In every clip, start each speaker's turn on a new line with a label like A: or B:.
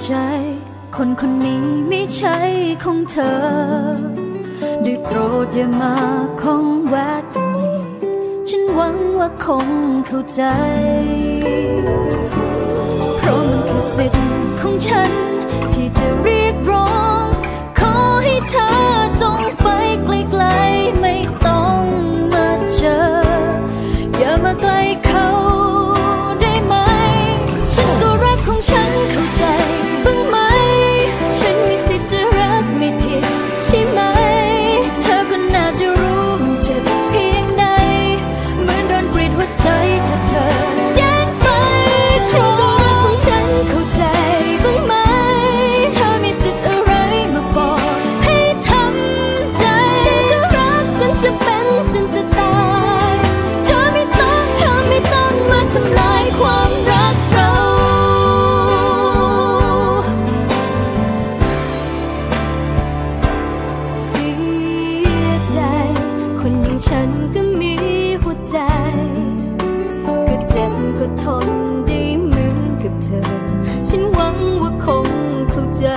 A: ใจคนคนนี้ไม่ใช่ของเธอได้โปรดอย่ามาคงแวะกันอีกฉันหวังว่าคงเข้าใจเพราะมันคือสิทธิ์ของฉันที่จะเรียกร้องขอให้เธอจงไปไกลๆไม่ต้องมาเจออย่ามาใกล้เขาได้ไหมฉันก็รักของฉันเข้าใจบ้างไหมฉันมีสิทธิ์จะรักไม่ผิดใช่ไหมเธอก็น่าจะรู้มันเจ็บเพียงใดเหมือนโดนกรีดหัวใจถ้าเธอแย่งไปฉันก็รักของฉันเข้าใจบ้างไหมเธอมีสิทธิ์อะไรมาบอกให้ทำใจฉันก็รักจนจะเป็นจนจะตายเธอไม่ต้องมาทำลายความรักเราเสียใจคนอย่างฉันก็มีหัวใจก็เจ็บก็ทนได้เหมือนกับเธอฉันหวังว่าคงเข้าใจ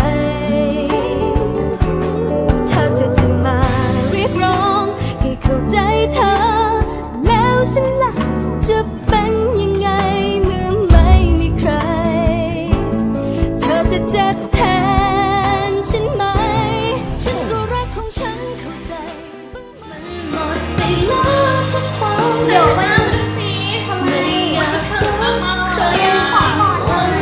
A: ถ้าเธอจะมาเรียกร้องให้เข้าใจเธอแล้วฉันล่ะจะเป็นยังไงเมื่อไม่มีใครเธอจะเจ็บแทนฉันไหมฉันก็รักของฉันเข้าใจมันหมดไปแล้วทุกความเดี๋ยวมาดูสิทำไมวันที่เธอมาเคยขอหมดเลย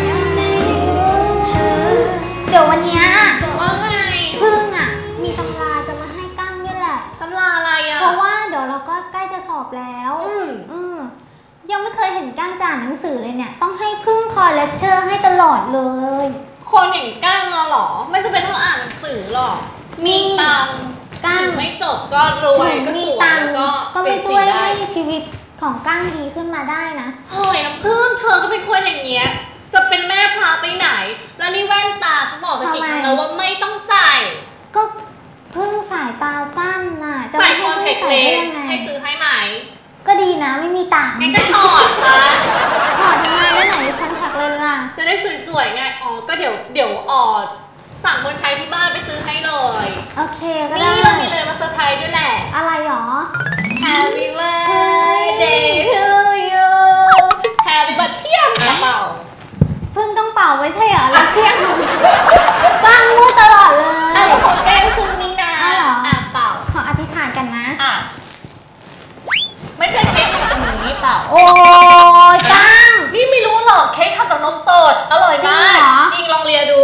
B: เดี๋ยววันเนี้ย
C: ว่าไง
B: พึ่งอ่ะมีตำราจะมาให้กั้งด้วยแหละ
C: ตำราอะไรอ่ะ
B: เพราะว่าเดี๋ยวเราก็ใกล้จะสอบแล้วยังไม่เคยเห็นกั้งจ่านหนังสือเลยเนี่ยต้องให้พึ่งคอยเลคเชอร์ให้ตลอดเลย
C: คนอย่างก้างมาหรอไม่จะเป็นต้องอ่านหนังสือหรอกมีตัง
B: กั้ง
C: ไม่จบก็รวยก็สวย
B: ก็ไม่ช่วยให้ชีวิตของกั้งดีขึ้นมาได้นะ
C: เฮ้ยน้ำพึ่งเธอก็เป็นคนอย่างเงี้ยจะเป็นแม่พาไปไหนแล้วนี่แว่นตาฉันบอกตะกี้แล้วว่าไม่ต้องใส่
B: ก็พึ่งสายตาสั้นน่ะ
C: ใส่คอนแทคเลนส์ให้ซื้อให้ไหม
B: ก็ดีนะไม่มีตังค์
C: งั้นก็ถอดนะ
B: ถอดยังไงแล้วไหนคอนแทคเลนส์ล่ะ
C: จะได้สวยๆไงอ๋อก็เดี๋ยวสั่งคนใช้ที่บ้านไปซื้อให้เลย
B: โอเคก็ได้
C: นี่เรามีเลยมาเซอร์ไพรส์ด้วยแหละ
B: อะไรหรอ
C: Happy birthday to you Happy birthday เป่า
B: เพิ่งต้องเป่าไม่ใช่เหรอแล้วเที่ยงตั้งมูตลอดเลย
C: ขอแก้มพึ่งนี่นะเป่า
B: ขออธิษฐานกันนะ
C: ไม่ใช่เค้กแบบนี้เปล่า
B: โอ้ยตั้ง
C: นี่ไม่รู้หรอกเค้กทำจากนมสดอร่อยมากจริงลองเลียดู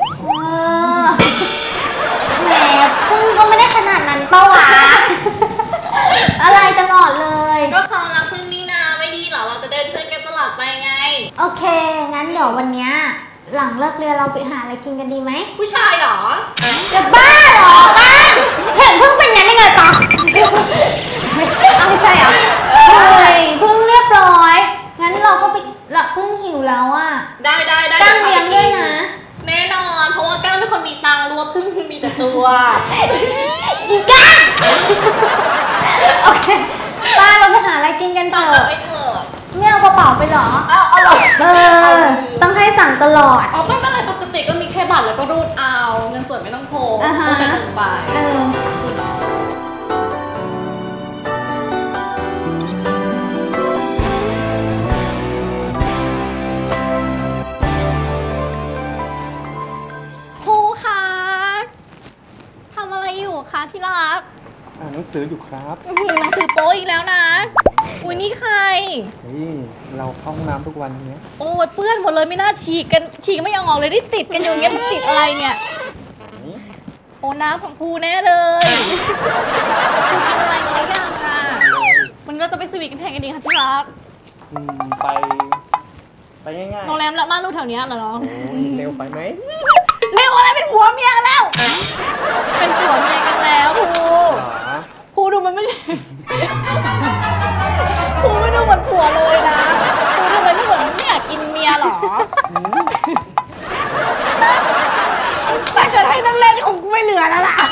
B: แหมพึ่งก็ไม่ได้ขนาดนั้นเปล่าวะอะไรตลอดเลย
C: ก็เขารักพึ่งนี่นาไม่ดีหรอเราจะได้เพื่อนกันตลอดไปไง
B: โอเคงั้นเดี๋ยววันนี้หลังเลิกเรียนเราไปหาอะไรกินกันดีไหม
C: ผู้ชายหรอ
B: จะบ้าหรอบ้าเห็นพึ่งเป็นงั้นได้ไงปะไม่ใช่เหรอเฮ้ยพึ่งเรียบร้อยงั้นเราก็ไปละพึ่งหิวแล้วอ่ะ
C: ได้
B: ตั้งเลี้ยงด้วยนะ
C: แน่นอนเพราะว่าก้างเป็นคนมีตังค์รู้ว่าพึ่งมีแต่ตัว
B: อีก้างโอเคป้าเราไปหาอะไรกินกันเถอะไม่เอากระเป๋าไปหรอ
C: เอาหรอ
B: ต้องให้สั่งตลอด
C: ไม่เป็นไรปกติก็มีแค่บัตรแล้วก็รูดเอาเงินสดไม่ต้องโทรก็จะถึงไปคะที่รัก
D: อ่านหนังสืออยู่ครับ
C: หนังสือโป๊อีกแล้วนะอุ้ยนี่ใคร
D: นี่เราเข้าห้องน้ำทุกวันเนี้ย
C: โอ้ยเปื้อนหมดเลยไม่น่าฉีกไม่ออกเลยได้ติดกันอยู่อย่างเงี้ยมันติดอะไรเนี่ยโอ้น้ำของภูแน่เลยภูกินอะไรมาหรือยังอ่ะมันก็จะไปสวีทกันแทนกันดีค่ะที่รัก
D: ไปง่ายๆ
C: โรงแรมละม่านรูดแถวนี้เหรอ
D: เร็วไปไหม
C: เร็วอะไรเป็นผัวเมียกันแล้วเป็นผัวเมียกันแล้วภูดูมันไม่ใช่ภูไม่ดูเหมือนผัวเลยนะภูทำไมไม่เหมือนไม่อยากกินเมียหรอแต่จะให้นั่งเล่นคงไม่เหลือแล้วล่ะ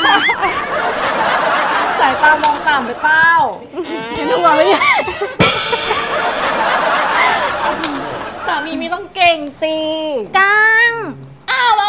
C: สายตามองต่ำไปเป้าเห็นหัวไหมสามีไม่ต้องเก่งสิ
B: กัง
C: อ้าว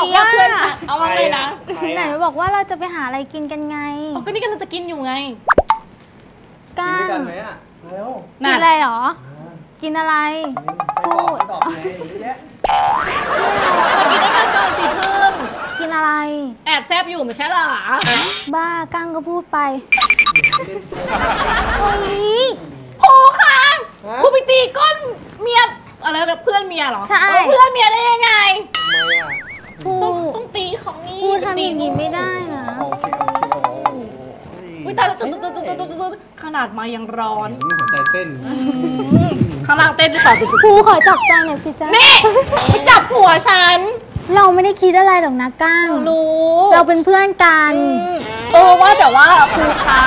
B: บอกว่า
C: เพื่อนฉันเอาว่าไงนะ
B: ไหนบอกว่าเราจะไปหาอะไรกินกันไง
C: เอาก็นี่กำลังจะกินอยู่ไง
B: ก้า
D: กินด้วยกัน
B: ง
D: ไหมอ่ะเร็ว
B: กินอะไรหรอ กินอะไร
D: พูดดอกไงเยอะแยะ
C: มากินด้วยกันก่อนสิเพิ่ม
B: กินอะไร
C: แอบแซบอยู่ไม่ใช่หรอ
B: บ้าก้างก็พูดไปโอ้ย
C: โหค่ะคุณไปตีก้นเมียอะไรแบบเพื่อนเมียเหรอ
B: ใช่
C: เพื่อนเมียได้ยังไง
D: ทำไมอ่ะ
B: พู
C: ต้อง
B: ด
C: ตีของนี่
B: พูดทำอย่างนี้ไม่ได้นะ
D: โอเคโอ้โห
C: อุ้ยตายแล้วขนาดมายังร้อน
D: หัวใจเต้น
C: ข้างล่างเต้นด้วยค่ะ
B: ครูขอจับใจหน่อยสิจ๊ะ
C: นี่ไปจับหัวฉัน
B: เราไม่ได้คิดอะไรหรอกนะก้าง
C: รู้
B: เราเป็นเพื่อนกัน
C: ว่าแต่ว่าครูคะ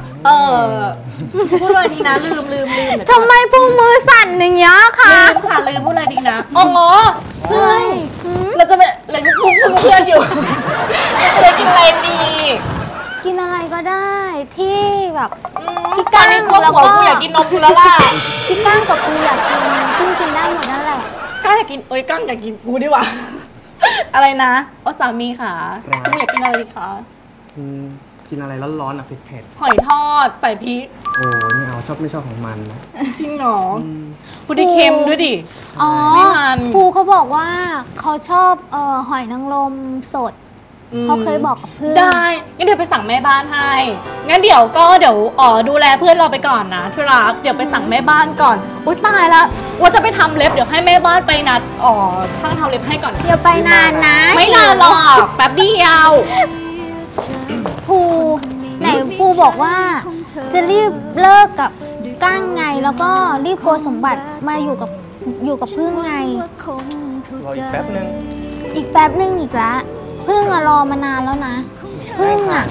C: พูดอะไรดีนะลืมเดี๋ยว
B: ทำไมพูมือสั่นอย่างเงี้ยคะ
C: ลืมค่ะลืมพูดอะไรดีนะอ๋อเพื่อนเราจะไปเราจะพูดเพื่อนอยู่จะกินอะไรดี
B: กินอะไรก็ได้ที่แบบ
C: ที่ก้างนี่กลัวหัวกูอยากกินนมกูแล้วล่ะ
B: ที่ก้างกับกูอยากกินเพิ่งกินได้หมดนั่นแหละ
C: ก้างอยากกินก้างอยากกินกูดีกว่าอะไรนะสามีค่ะคุณอยากกินอะไรดีคะ
D: กินอะไรร้อนๆอ่ะเผ็ด
C: หอยทอดใส่พริก
D: ๆโอ้ไม่เอาชอบไม่ชอบของมันนะ
C: จริงเหรอพูดได้เค็มด้วยดิ
B: อ๋อ
C: ไม่มัน
B: ครูเขาบอกว่าเขาชอบหอยนางรมสด เขาเคยบอกกับเพื่อน
C: ได้งั้นเดี๋ยวไปสั่งแม่บ้านให้งั้นเดี๋ยวดูแลเพื่อนเราไปก่อนนะที่รักเดี๋ยวไปสั่งแม่บ้านก่อนอุ๊ยตายแล้วว่าจะไปทำเล็บเดี๋ยวให้แม่บ้านไปนัดช่างทำเล็บให้ก่อน
B: อย่าไปนานนะ
C: ไม่นานหรอกแป๊บเดียว
B: ครูไหนครูบอกว่า จะรีบเลิกกับก้างไงแล้วก็รีบโกสมบัติมาอยู่กับพึ่งไง
D: รออีกแป๊บนึง
B: อีกแป๊บนึงอีกละพึ่งอะรอมานานแล้วนะพึ่งอะ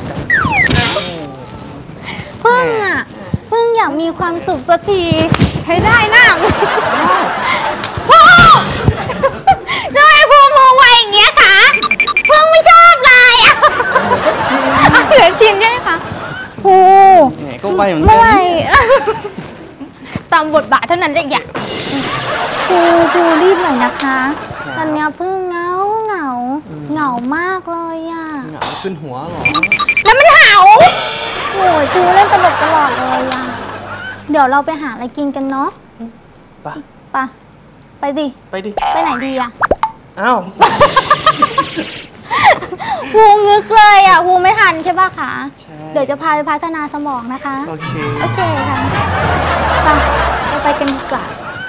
B: อยากมีความสุขสักทีใช้ได้นั่งพ่อทำไมพูมือไวอย่างเงี้ยคะพึ่งไม่ชอบเลยอะเหลือชินใช่ไหมคะพู
D: แหมก็ไวเหมือนกั
B: เมื่อไหร่ตามบทบาทเท่านั้นได้อย่างพูรีบหน่อยนะคะตอนนี้พึ่งเหงามากเลยอะ
D: เหงาขึ้นหัวเหรอ
B: แล้วมันเห่าโอ้ยครูเล่นตลกตลอดเลยอะเดี๋ยวเราไปหาอะไรกินกันเนาะ ไปดิ
D: ไปดิ
B: ไปไหนดีอะ
D: อ้าว
B: ครูงึกเลยอะครูไม่ทันใช่ป่ะคะ
D: ใช่
B: เดี๋ยวจะพาไปพัฒนาสมองนะคะ
D: โอเค
B: โอเคค่ะเราไปกันดีกว่า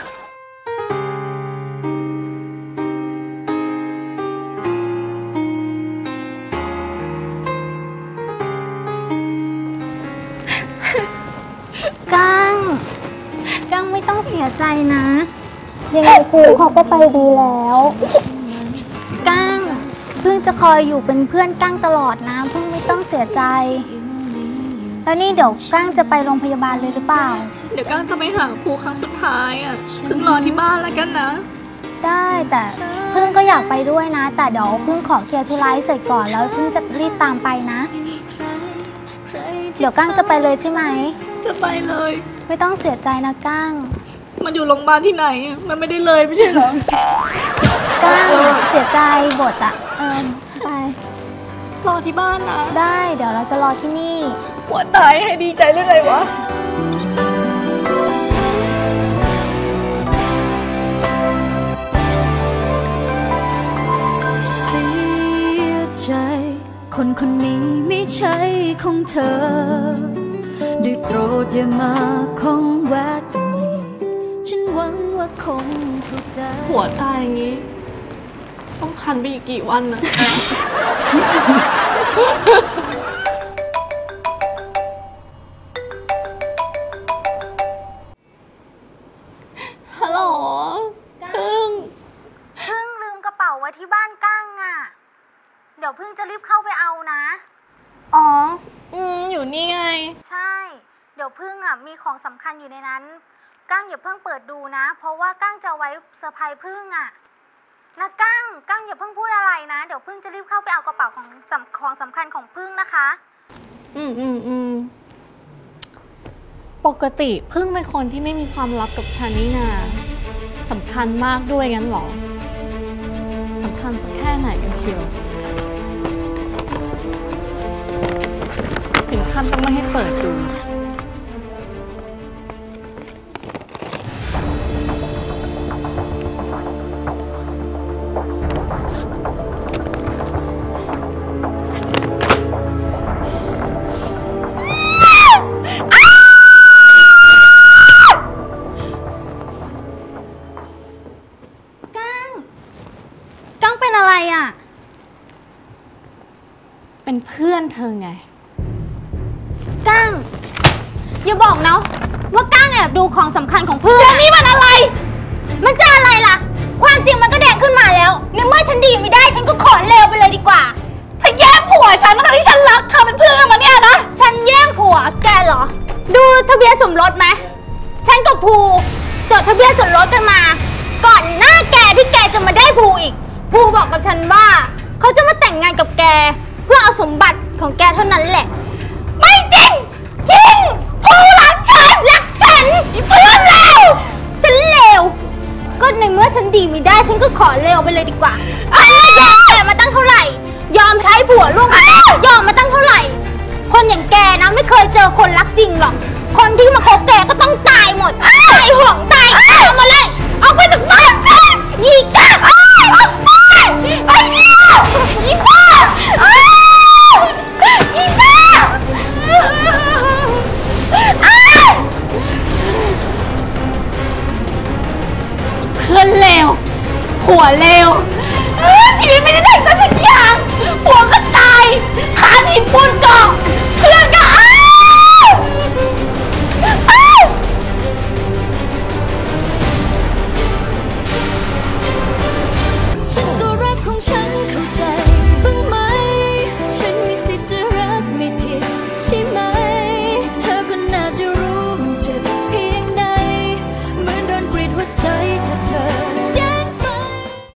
B: ก้างไม่ต้องเสียใจนะยังไงครูเขาก็ไปดีแล้วก้างเพิ่งจะคอยอยู่เป็นเพื่อนก้างตลอดนะเพิ่งไม่ต้องเสียใจแล้วนี่เดี๋ยวก้างจะไปโรงพยาบาลเลยหรือเปล่า
C: เดี๋ยวก้างจะไปหาครูครั้งสุดท้ายอ่ะเพิ่งรอที่บ้านแล้วกันนะ
B: ได้แต่เพิ่งก็อยากไปด้วยนะแต่เดี๋ยวเพิ่งขอเคลียร์ธุระเสร็จก่อนแล้วเพิ่งจะรีบตามไปนะเดี๋ยวก้างจะไปเลยใช่ไหม
C: จะไปเลย
B: ไม่ต้องเสียใจนะก้าง
C: มันอยู่โรงพยาบาลที่ไหนมันไม่ได้เลยไม่ใช่เหรอ
B: ก้างเสียใจบทอ่ะไป
C: รอที่บ้านนะ
B: ได้เดี๋ยวเราจะรอที่นี่
C: หัวตายให้ดีใจเรื่องอะไรวะ
A: เสียใจคนคนนี้ไม่ใช่ของเธอได้โปรดอย่ามาคงแวะกันอีกฉันหวังว่าคงเข้าใจ
C: หัวตายอย่างนี้ ต้องคันไปอีกกี่วันนะ ฮัลโหลพึ่ง
B: พึ่งลืมกระเป๋าไว้ที่บ้านก้างอ่ะเดี๋ยวพึ่งจะรีบเข้าไปเอานะ
C: อ๋อ อยู่นี่ไง
B: ใช่ เดี๋ยวพึ่งอ่ะมีของสำคัญอยู่ในนั้นก้างอย่าเพิ่งเปิดดูนะเพราะว่าก้างจะไว้เซอร์ไพรส์พึ่งอ่ะนะก้างอย่าเพิ่งพูดอะไรนะเดี๋ยวพึ่งจะรีบเข้าไปเอากระเป๋าของสำคัญของพึ่งนะคะ
C: ปกติพึ่งเป็นคนที่ไม่มีความลับกับฉันนี่นาสำคัญมากด้วยงั้นเหรอ สำคัญสักแค่ไหนกันเชียวถึงขั้นต้องไม่ให้เปิดดู
B: กั้งเป็นอะไรอ่ะ
C: เป็นเพื่อนเธอไง
B: กั้งอย่าบอกนะว่ากั้งแอบดูของสำคัญของเพื่อน
C: นี่มันอะไร
B: มันจะอะไรล่ะ ความจริงมันก็แดกขึ้นมาแล้วในเมื่อฉันดีไม่ได้ฉันก็ขอเลวไปเลยดีกว่า
C: เธอแย่งผัวฉันทั้งที่ฉันรักเธอเป็นเพื่อนกันมาเนี่ยนะ
B: ฉันแย่งผัวแกเหรอ ดูทะเบียนสมรสไหมฉันกับภูจดทะเบียนสมรสกันมา ก่อนหน้าแกที่แกจะมาได้ภูอีกภูบอกกับฉันว่าเขาจะมาแต่งงานกับแกเพื่อเอาสมบัติของแกเท่านั้นแหละ ไม่จริงจริงภูรักฉันรักฉันเพื่อนเลวฉันเลวก็ในเมื่อฉันดีไม่ได้ฉันก็ขอเลวไปเลยดีกว่าฉันยอมแกมาตั้งเท่าไหร่ยอมใช้ผัวลูกยอมมาตั้งเท่าไหร่ คนอย่างแกนะไม่เคยเจอคนรักจริงหรอกคนที่มาคบแกก็ต้องตายหมดตายห่วงตายเอามาเลยเอาไปจากบ้านฉันยีกาเอาไปไอ้เหี้ยยีบ้ายีบ้า
C: เพื่อนเลวผัวเลวชีวิตไม่ได้ได้สักอย่างผัวก็ตายขาดหินปูนเกาะเพื่อนก็